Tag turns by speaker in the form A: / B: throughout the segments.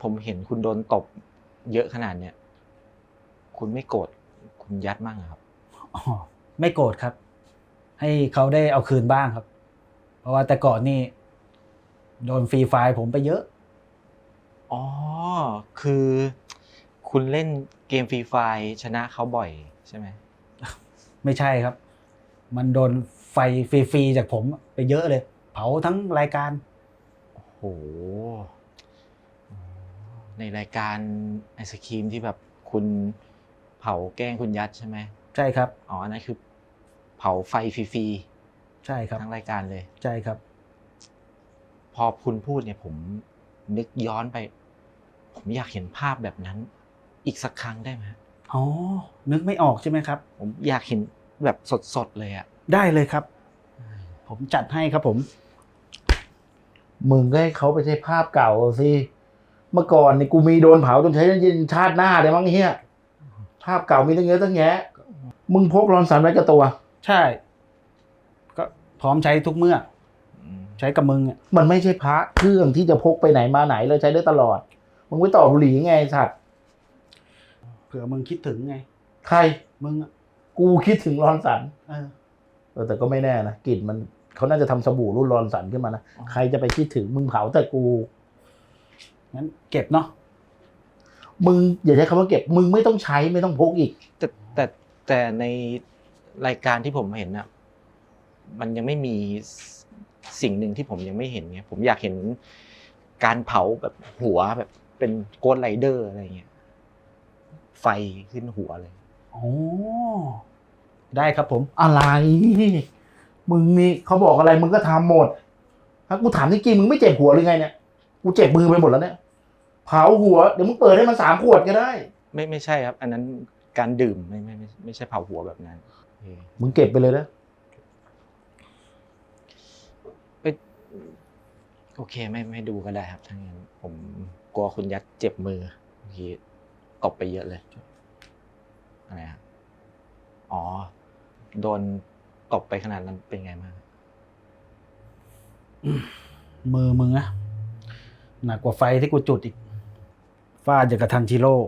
A: ผมเห็นคุณโดนตบเยอะขนาดเนี้ยคุณไม่โกรธคุณยัดมั่งเหรอครับ
B: อ๋อไม่โกรธครับ ให้เขาได้เอาคืนบ้างครับ เพราะว่าแต่ก่อนนี่โดนฟรีไฟล์ผมไปเยอะ
A: อ๋อคือคุณเล่นเกมฟรีไฟร์ชนะเขาบ่อยใช่ไหม
B: ไม่ใช่ครับ มันโดนไฟฟรีๆจากผมไปเยอะเลย เผาทั้งรายการ
A: โอ้โหในรายการไอศครีมที่แบบคุณเผาแกล้งคุณยัดใช่ไหม
B: ใช่ครับ
A: อ๋ออันนั้นคือเผาไฟฟรี
B: ใช่ครับ
A: ๆทั้งรายการเลย
B: ใช่ครับ
A: พอคุณพูดเนี่ยผมนึกย้อนไปผมอยากเห็นภาพแบบนั้นอีกสักครั้งได้ไหม
B: อ๋อนึกไม่ออกใช่ไหมครับ
A: ผมอยากเห็นแบบสดๆเลยอ่ะ
B: ได้เลยครับ ผมจัดให้ครับผม
C: มึงก็ให้เขาไปใช้ภาพเก่าสิเมื่อก่อนนี่กูมีโดนเผาจนใช้ยินชาติหน้าเลยมั้งเฮียภาพเก่ามีตั้งเยอะตั้งแยะมึงพกรอนสันไว้กับตัว
B: ใช่ ก็พร้อมใช้ทุกเมื่อใช้กับมึงอ่ะ
C: มันไม่ใช่พระเครื่องที่จะพกไปไหนมาไหนเลยใช้ได้ตลอดมึงไปต่อบุหรี่ไงไอ้สัตว์
B: เผื่อมึงคิดถึงไง
C: ใคร
B: มึงอ่ะ
C: กูคิดถึงรอนสัน
B: เออ
C: แต่ก็ไม่แน่นะกลิ่นมันเขาน่าจะทำสบู่รุ่นรอนสันขึ้นมานะใครจะไปคิดถึงมึงเผาแต่กู
B: งั้นเก็บเนาะ
C: มึงอย่าใช้คำว่าเก็บมึงไม่ต้องใช้ไม่ต้องพกอีก
A: แต่ในรายการที่ผมเห็นน่ะมันยังไม่มีสิ่งหนึ่งที่ผมยังไม่เห็นไงผมอยากเห็นการเผาแบบหัวแบบเป็นโกสต์ไรเดอร์อะไรเงี้ยไฟขึ้นหัวเลย
B: โอ้ได้ครับผม
C: อะไรมึงนี่เขาบอกอะไรมึงก็ทำหมดถ้ากูถามจริงๆมึงไม่เจ็บหัวหรือไงเนี่ยกูเจ็บมือไปหมดแล้วเนี่ยเผาหัวเดี๋ยวมึงเปิดให้มัน3 ขวดก็ได้
A: ไม่ใช่ครับอันนั้นการดื่มไม่ใช่เผาหัวแบบนั้น
C: มึงเก็บไปเลยนะ
A: โอเคไม่ดูก็ได้ครับถ้างั้นผมกลัวคุณยัดเจ็บมือเมื่อกี้ตบไปเยอะเลยอะไรครับอ๋อโดนตบไปขนาดนั้นเป็นไงบ้าง
B: มือมึงอะหนักกว่าไฟที่กูจุดอีกฟาดอย่างกระทันชิโร่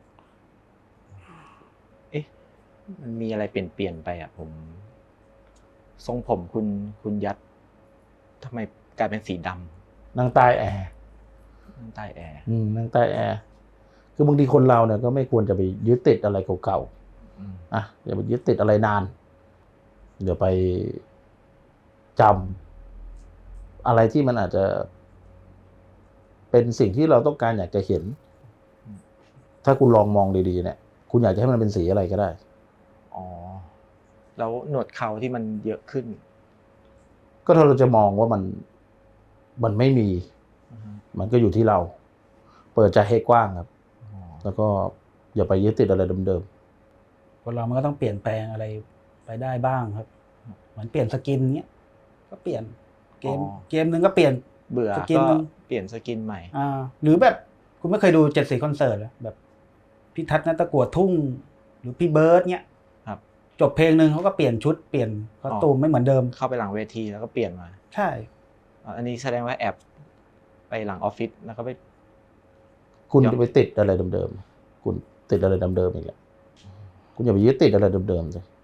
A: มันมีอะไรเปลี่ยนไปอ่ะผมทรงผมคุณยัดทำไมกลายเป็นสีดำ
C: นั่งใต้แอร์
A: นั่งใต้แอร์
C: นั่งใต้แอร์คือบางทีคนเราเนี่ยก็ไม่ควรจะไปยึดติดอะไรเก่าๆอย่าไปยึดติดอะไรนานเดี๋ยวไปจำอะไรที่มันอาจจะเป็นสิ่งที่เราต้องการอยากจะเห็นถ้าคุณลองมองดีๆเนี่ยคุณอยากจะให้มันเป็นสีอะไรก็ได้
A: อ๋อแล้วหนวดเขาที่มันเยอะขึ้น
C: ก็ถ้าเราจะมองว่ามันไม่มีมันก็อยู่ที่เราเปิดใจให้กว้างครับแล้วก็อย่าไปยึดติดอะไรเดิม
B: ๆคนเรามันก็ต้องเปลี่ยนแปลงอะไรไปได้บ้างครับเหมือนเปลี่ยนสกินเนี้ยก็เปลี่ยนเกมนึงก็เปลี่ยน
A: เบื่อก็เปลี่ยนสกินใหม่
B: หรือแบบคุณไม่เคยดู7 สีคอนเสิร์ตเหรอแบบพี่ทัศน์ณตะกั่วทุ่งหรือพี่เบิร์ดเนี้ย
A: ครับ
B: จบเพลงนึงเขาก็เปลี่ยนชุดเปลี่ยนคอสตูมไม่เหมือนเดิม
A: เข้าไปหลังเวทีแล้วก็เปลี่ยนมา
B: ใช่
A: อันนี้แสดงว่าแอบไปหลังออฟฟิศแล้วก็ไป
C: คุณจะไปติดอะไรเดิมๆคุณติดอะไรเดิมๆอีกแหละคุณอย่าไปยึดติดอะไรเดิมๆเลย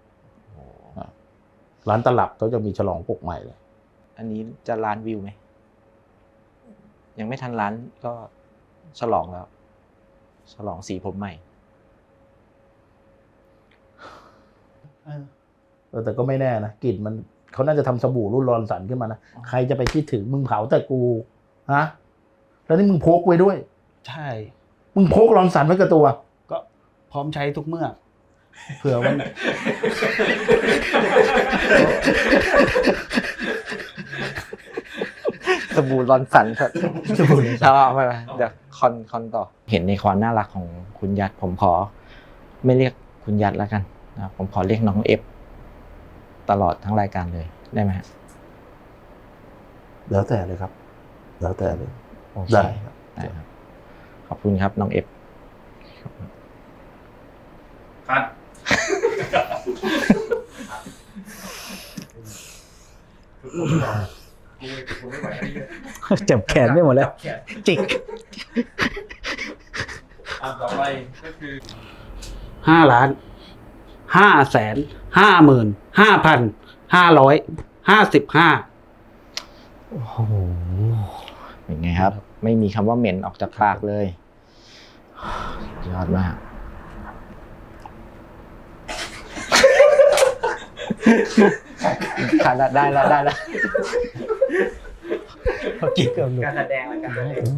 C: ร้านตลับเขาจะมีฉลองปกใหม่เลย
A: อันนี้จะล้านวิวไหมยังไม่ทันล้านก็ฉลองแล้วฉลองสีผมใหม่
C: แต่ก็ไม่แน่นะกลิ่นมันเขาน่าจะทำสบู่รุ่นรอนสันขึ้นมานะใครจะไปคิดถึงมึงเผาแต่กูฮะแล้วนี่มึงพกไว้ด้วย
B: ใช่
C: มึงพกรอนสันไว้กับตัว
B: ก็พร้อมใช้ทุกเมื่อเผื่อวัน
A: สบู่รอนสันครับสบู่ชอบไปเดี๋ยวคอนต่อเห็นในความน่ารักของคุณยัดผมขอไม่เรียกคุณยัดแล้วกันนะผมขอเรียกน้องเอฟตลอดทั้งรายการเลยได้ไหม
C: แล้วแต่เลยครับแล้วแต่เลย
A: ได้ครับขอบคุณครับน้องเอฟ
D: ครับกูไม่ไหวแล้วนี่
B: จับแขนไม่หมดแล้ว
D: จับแขน
A: จิก
D: ต่อไปก็คือ
B: 5,555,555
A: โอ้โหเป็นไงครับ ไม่มีคำว่าเหม็นออกจากปากเลยยอดมากขาดละได้แล้วเมื่อกี้เกือบหลุด
D: การแสดงและการแสดง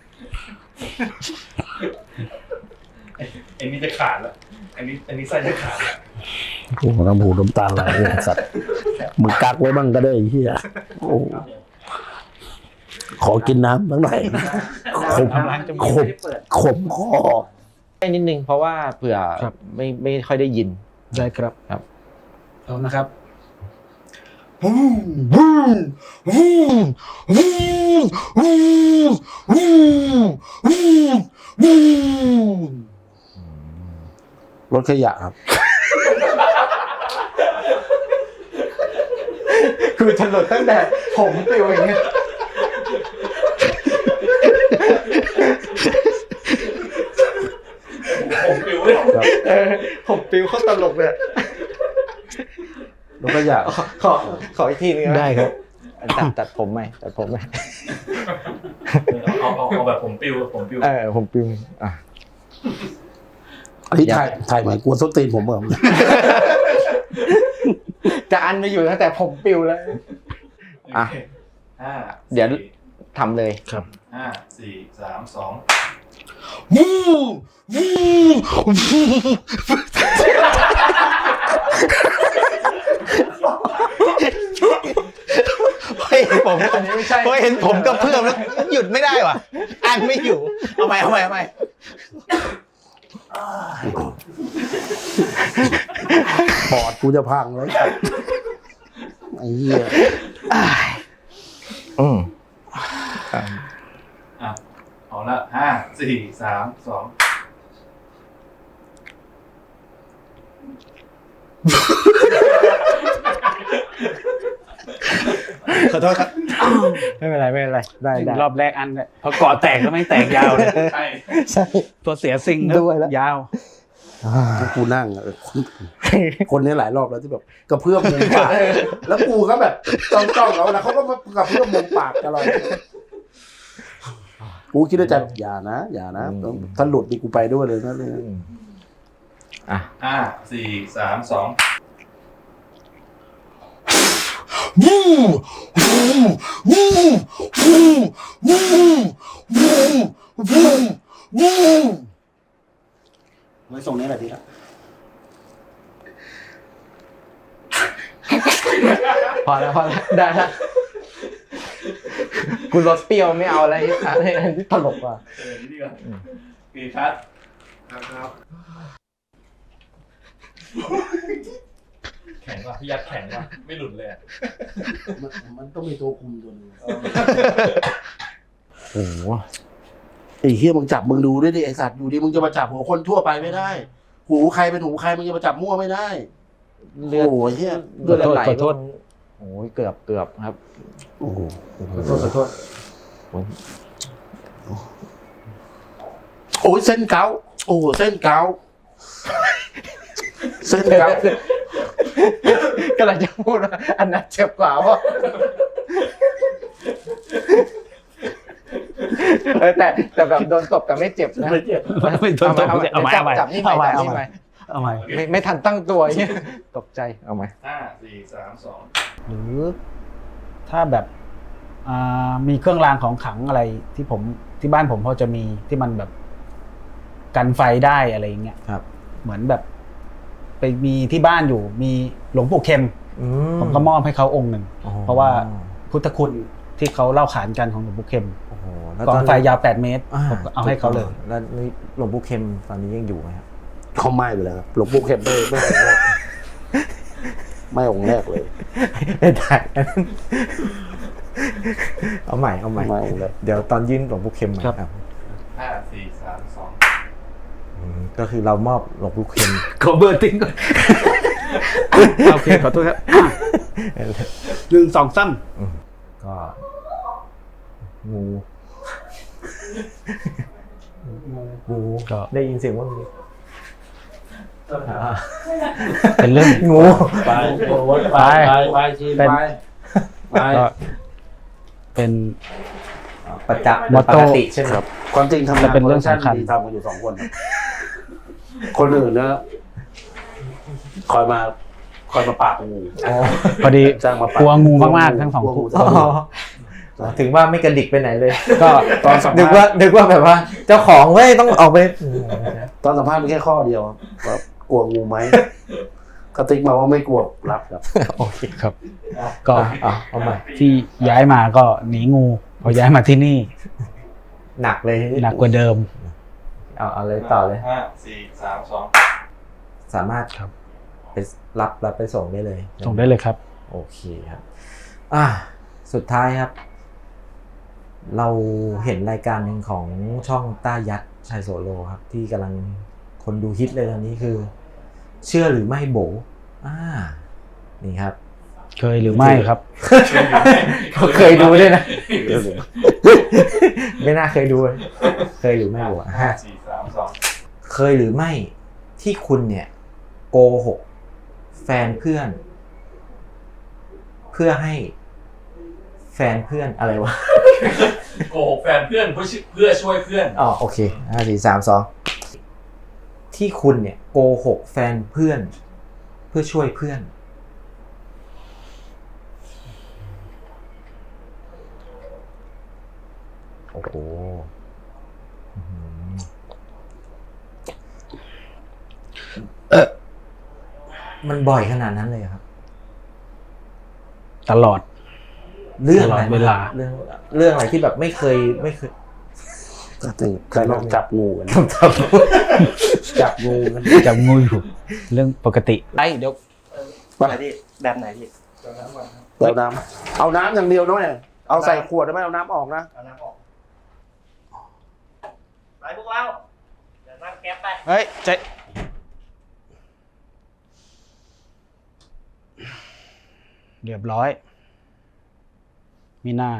D: อันนี้จะขาดแล้วอันนี้ไส้จะขาดแล้ว
C: โอ้โหน้ำหูน้ำตาไหลเลยสัตว์มึงกักไว้บ้างก็ได้ไอ้เฮียโอ้ขอกินน้ำบ้างหน่อยขมขมคอ
A: แค่นิดนึงเพราะว่าเผื่อ
B: ครับ
A: ไม่ค่อยได้ยิน
B: ได้ครับ
A: ครับ
B: เอานะครับ
C: รถขยะครับ
A: คือถลดตั้งแต่ผมปลิวอย่างเงี้ย
D: ผมปิวเลย
A: ผมปลิวเขาตลกเลย
C: รถขยะ
A: ขออีกทีนึงนะ
B: ได้ครับ
A: ตัดผมไหมตัดผมไหม
D: เอาแบบผมปิวผมปิว
A: ผมปลิวอ่ะ
C: อันนี้ถ่ายเหมือนกวนส้นตีนผมเหรอ
A: จะอันไม่อยู่ตั้งแต่ผมปลิวแล้ว อ่ะ เดี๋ยวทำเลย
B: ครับ
D: 5 4 3 2
A: เฮ้ยผมอันนี้ไม่ใช่เห็นผมก็เพื่อมแล้วหยุดไม่ได้ว่ะอันไม่อยู่เอาใหม่
C: ปอดกูจะพังแล้วไอ้เหี้ย
D: เอาละ5 4 3 2
A: ขอโทษครับไม่เป็นไรได้
B: รอบแรกอันเลยพอเกาะแตกก็ไม่แตกยาวเลย
D: ใช่
A: ใช่
B: ตัวเสียสิ่ง
A: ด้วยแล้ว
B: ยาว
C: กูนั่งอะคนนี้หลายรอบแล้วที่แบบกระเพื่อมมุมปากแล้วกูก็แบบจ้องๆแล้วเขาก็มากระเพื่อมมุมปากตลอดกูคิดในใจอย่านะถ้าหลุดนี่กูไปด้วยเลยนะเนี่ย
D: 5 4 3 2
C: ไว้ส่งนี้แหละดีละ
A: พอแล้วได้แล้วกูรสเปรี้ยวไม่เอาอะไรที่ตลกว่ะ
D: นี่ก่อนกี่คัดครับ แข็งว่ะพี่ยัดแข็งว่ะไม่หลุดเลย
C: มันต้องมีตัวคุมตัวนึง
A: โอ้โห
C: ไอ้เฮียมึงจับมึงดูด้วยดิไอสัตว์อยู่ดีมึงจะมาจับหัวคนทั่วไปไม่ได้ หูใครเป็นหูใครมึงจะมาจับมั่วไม่ได้
A: เลือด
C: โอ้ยเฮีย
A: เลือดไหล
B: ขอโทษ
A: โอ้ยเกือบครับ
C: โอ้โห
B: ขอโทษ
C: โอ้ยเส้นเกาโอ้โหเส้นเกาเส้นเกาก
A: ำลังจะพูดว่าอันนั้นเจ็บกว่าเพราะแต่แบบโดนตบแต่ไม่เจ็บนะ
C: ไม่เจ็บ
B: ไม่โดนตบเอาใหม่
A: จับนี่ใหม่จับนี่ใหม่
B: เอาใหม่
A: ไม่ทันตั้งตัวเนี่ยตกใจเอาใหม่
D: 5 4 3 2
B: หรือถ้าแบบมีเครื่องรางของขลังอะไรที่ผมที่บ้านผมพอจะมีที่มันแบบกันไฟได้อะไรอย่างเงี้ย
A: ครับ
B: เหมือนแบบไปมีที่บ้านอยู่มีหลวงปู่เข็ม ผมก็มอบให้เขาองค์หนึ่งเพราะว่าพุทธคุณที่เขาเล่าขานกันของหลวงปู่เข็ม
A: โอ้โห
B: กองไฟยาว8 เมตรผมก็เอาให้เขาเลย
A: แล้วหลวงปู่เข็มตอนนี้ยังอยู่ไหมครับ
C: เขาไหม้ไปแล้วครับหลวงปู่เข็มไม่องค์แรกไม่องค์แรกเลย
A: ไม่ได้เอาใหม่
C: ไม่องค์แรก
A: เดี๋ยวตอนยื่นหลวงปู่เข็มใหม่
B: ครับ
D: 5 4 3 2
A: ก็คือเรามอบหลวงปู่เข็ม
B: ขอเบอร์ติ้งก่อนโอเคขอโทษครับ1 2 3
A: ก็งูงู
B: ก็
A: ได้ยินเสียงว่างู
B: เป็นเรื่อง
A: งู
C: ไปไปชีไปไป
B: ก็เป็น
A: ประจักษ์
B: มอตโต้
A: ปกติใช่ไหม
C: ครับความจริงทำงาน
B: เป็นเรื่องสำคัญ
C: มีทำกันอยู่2 คนครับคนอื่นนะคอยมาปราบงู
B: พอดี
C: จ้างมาปราบ
B: กลัวงูมากๆทั้งสอง
C: กลัว
B: คู่
C: ทั้งสอง
A: ถึงว่าไม่กระดิกไปไหนเลย
B: ก็
C: ตอนสัม
A: นึก
C: ภา
A: ว่า
C: ษณ์
A: นึกว่าแบบว่า เจ้าของเว้ยต้องออกไป
C: ตอนสัมภาษณ์มีแค่ข้อเดียวครับว่ากลัวงูไหมกระติกมาว่าไม่กลัวรับครับ
A: โอเค
B: ครับ ก็
A: เอาใหม่
B: ที่ย้ายมาก็หนีงูพอย้ายมาที่นี่
A: หนักเลย
B: หนักกว่าเดิม
A: เอาเลยต่อเลย
D: 5 4 3 2
A: สามารถ
B: ครับ
A: ไปรับไปส่งได้เลย
B: ส่งได้เลยครับ
A: โอเคครับสุดท้ายครับ เราเห็นรายการหนึ่งของช่องต้ายัดชัยโสโลครับ ที่กำลังคนดูฮิตเลยตอนนี้คือ เชื่อหรือไม่โบนี่ครับ
B: เคยหรือไม่ครับ
A: เขาเคยดูด้วยนะ ไม่น่าเคยดูเลยเคยหรือไม่โบ
D: 5 4 3 2
A: เคยหรือไม่ที่คุณเนี่ยโกหกแฟนเพื่อน เพื่อให้แฟนเพื่อนอะไรวะ
D: โกหกแฟนเพื่อนเพื่อช่วยเพื่อน
A: อ๋อโอเค5 4 3 2ที่คุณเนี่ยโกหกแฟนเพื่อน เพื่อช่วยเพื่อน โอ้โหมันบ่อยขนาดนั้นเลยครับ
B: ตลอด
A: เรื่องอะไร
B: ตลอดเวลา
A: เรื่องอะไรที่แบบไม่เคย
C: กระติกเคยลองจับงูกัน จับงูกัน
B: จับงูอยู่เรื่องปกติไอ้เดี๋ยว
E: อะไรพี่แบบไหนพี่
C: เอาน้ำเอาน้ำอย่างเดียวด้วยเอาใส่ขวดได้ไหมเอาน้ำออกนะ
E: เอาน้ำออกไปพวกเราเดี๋ยวนั่งแก๊ปไป
B: เฮ้ยใจเรียบร้อย มีหน้า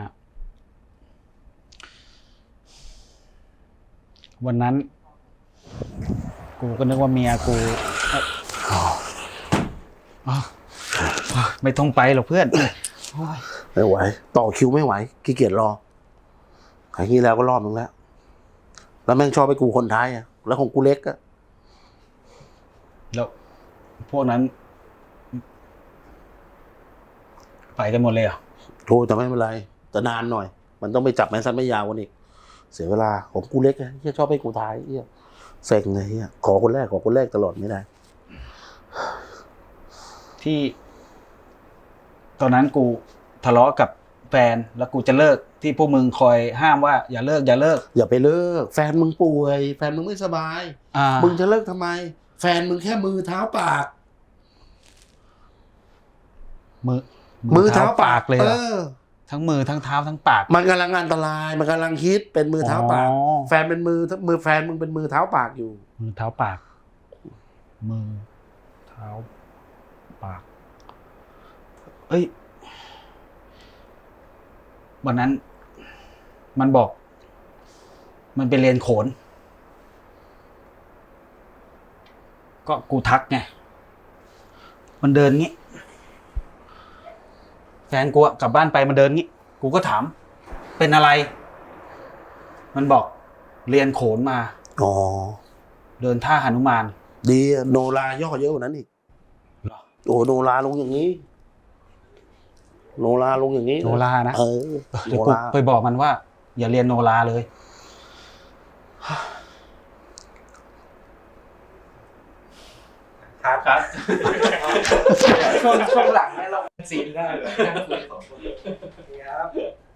B: วันนั้น กูก็นึกว่าเมียกูไม่ต้องไปหรอกเพื่อน
C: ไม่ไหวต่อคิวไม่ไหวขี้เกียจรอครั้งที่แล้วก็รอบนึงแล้วแล้วแม่งชอบไปกูคนท้ายอ่ะแล้วของกูเล็กอ่ะ
B: แล้วพวกนั้น ไปกันหมดเลยเหรอ
C: โทรแต่ไม่เป็นไรแต่นานหน่อย มันต้องไปจับแมนซันไม่ยาวกว่านี้เสียเวลาของกูเล็กอะเฮียชอบไปกูท้ายเฮียเซ็งเลยเฮียขอคนแรกตลอดไม่ได้
B: ที่ ตอนนั้นกูทะเลาะกับแฟนแล้วกูจะเลิกที่พวกมึงคอยห้ามว่าอย่าเลิก
C: อย่าไปเลิกแฟนมึงป่วยแฟนมึงไม่สบาย
B: อ่า
C: มึงจะเลิกทำไม แฟนมึงแค่มือเท้าปาก
B: มือเท้าปากเลยเหรอ
C: อ
B: ทั้งมือทั้งเท้าทั้งปาก
C: มันกำลังอันตรายมันกำลังฮิตเป็นมือเท้าปาก
B: อ๋อ
C: แฟนเป็นมือแฟนมึงเป็นมือเท้าปากอยู่
B: มือเท้าปาก มือเท้าปาก เอ้ย วันนั้น มันบอก มันไปเรียนโขน ก็กูทักไง มันเดินงี้ แฟนกูอะกลับบ้านไปมันเดินงี้ กูก็ถาม เป็นอะไร มันบอกเรียนโขนมา
C: อ๋อ
B: เดินท่าหนุมาน
C: ดีอะโนราย่อเยอะกว่านั้นอีก
B: เหรอ
C: โอ้โนราลงอย่างนี้ โนราลงอย่างนี้
B: โนรานะ
C: เออ
B: เดี๋ยว
C: โน
B: กู
C: รา
B: ไปบอกมันว่า อย่าเรียนโนราเลย
E: ครับ ช่วงหลังเนี่ยเราซีนได้นั่งคุย2 คนครับ